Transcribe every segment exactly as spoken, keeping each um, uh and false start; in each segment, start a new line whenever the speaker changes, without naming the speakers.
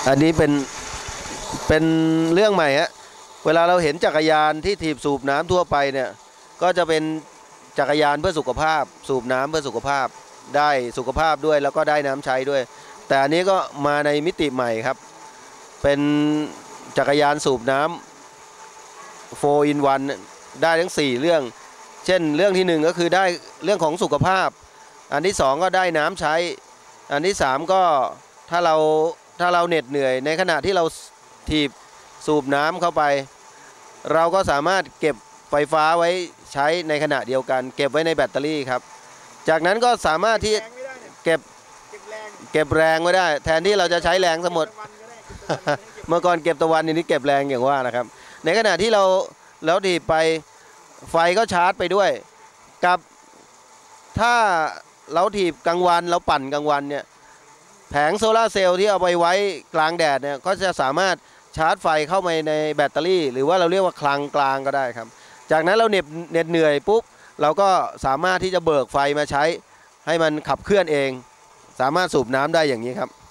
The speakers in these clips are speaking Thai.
อันนี้เป็นเป็นเรื่องใหม่ฮะเวลาเราเห็นจักรยานที่ถีบสูบน้ำทั่วไปเนี่ยก็จะเป็นจักรยานเพื่อสุขภาพสูบน้ำเพื่อสุขภาพได้สุขภาพด้วยแล้วก็ได้น้ำใช้ด้วยแต่อันนี้ก็มาในมิติใหม่ครับเป็นจักรยานสูบน้ำโฟร์ อิน วัน ได้ทั้งสี่เรื่องเช่นเรื่องที่หนึ่งก็คือได้เรื่องของสุขภาพอันที่สองก็ได้น้ำใช้อันที่สามก็ถ้าเราถ้าเราเหน็ดเหนื่อยในขณะที่เราถีบสูบน้ำเข้าไปเราก็สามารถเก็บไฟฟ้าไว้ใช้ในขณะเดียวกันเก็บไว้ในแบตเตอรี่ครับจากนั้นก็สามารถที่เก็บเก็บแรงไว้ได้แทนที่เราจะใช้แรงทั้งหมด เมื่อก่อนเก็บตะวันนี้เก็บแรงอย่างว่านะครับในขณะที่เราแล้วถีบไปไฟก็ชาร์จไปด้วยกับถ้าเราถีบกลางวันเราปั่นกลางวันเนี่ยแผงโซลาร์เซลล์ที่เอาไปไว้กลางแดดเนี่ยก็จะสามารถชาร์จไฟเข้าไปในแบตเตอรี่หรือว่าเราเรียกว่าคลังกลางก็ได้ครับจากนั้นเราเหน็บเหน็ดเหนื่อยปุ๊บเราก็สามารถที่จะเบิกไฟมาใช้ให้มันขับเคลื่อนเองสามารถสูบน้ำได้อย่างนี้ครับ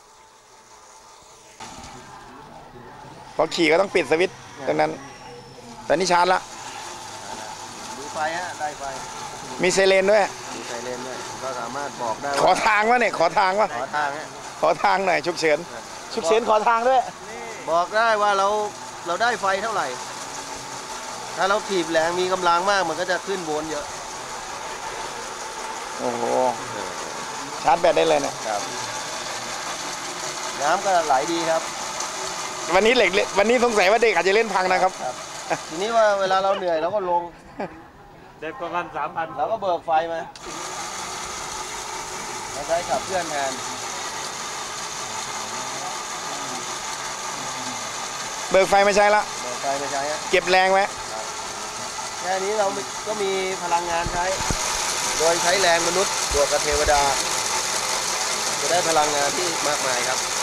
พอขี่ก็ต้องปิดสวิตช์ตรงนั้นแต่นี่ชาร์จละ
ดูไฟฮะได้ไฟ
มีไซเรนด้วย
มีไซเรนด้วยก็สามารถบอกได้
ขอทางวะเนี่ยขอทางวะ
ขอทางฮะ
ขอทางหน่อยฉุกเฉินฉุกเฉินขอทางด้วย
บอกได้ว่าเราเราได้ไฟเท่าไหร่ถ้าเราถีบแรงมีกำลังมากมันก็จะขึ้นโวลต์เยอะ
โอ้โหชาร์จแบตได้เลยเนี่ย
ครับน้ำก็ไหลดีครับ
วันนี้เหล็กวันนี้สงสัยว่าเด็กอาจจะเล่นพังนะครับ
ทีนี้ว่าเวลาเราเหนื่อยเราก็ลง
เด็กประมาณสามพัน
เราก็เบิกไฟมาเราใช้ขับเคลื่อนแทน
เบิกไฟไม่ใช่ละ
เบิกไฟไม่ใช่
เก็บแรงไว้
แค่นี้เราก็มีพลังงานใช้โดยใช้แรงมนุษย์บวกกับเทวดาจะได้พลังงานที่มากมายครับ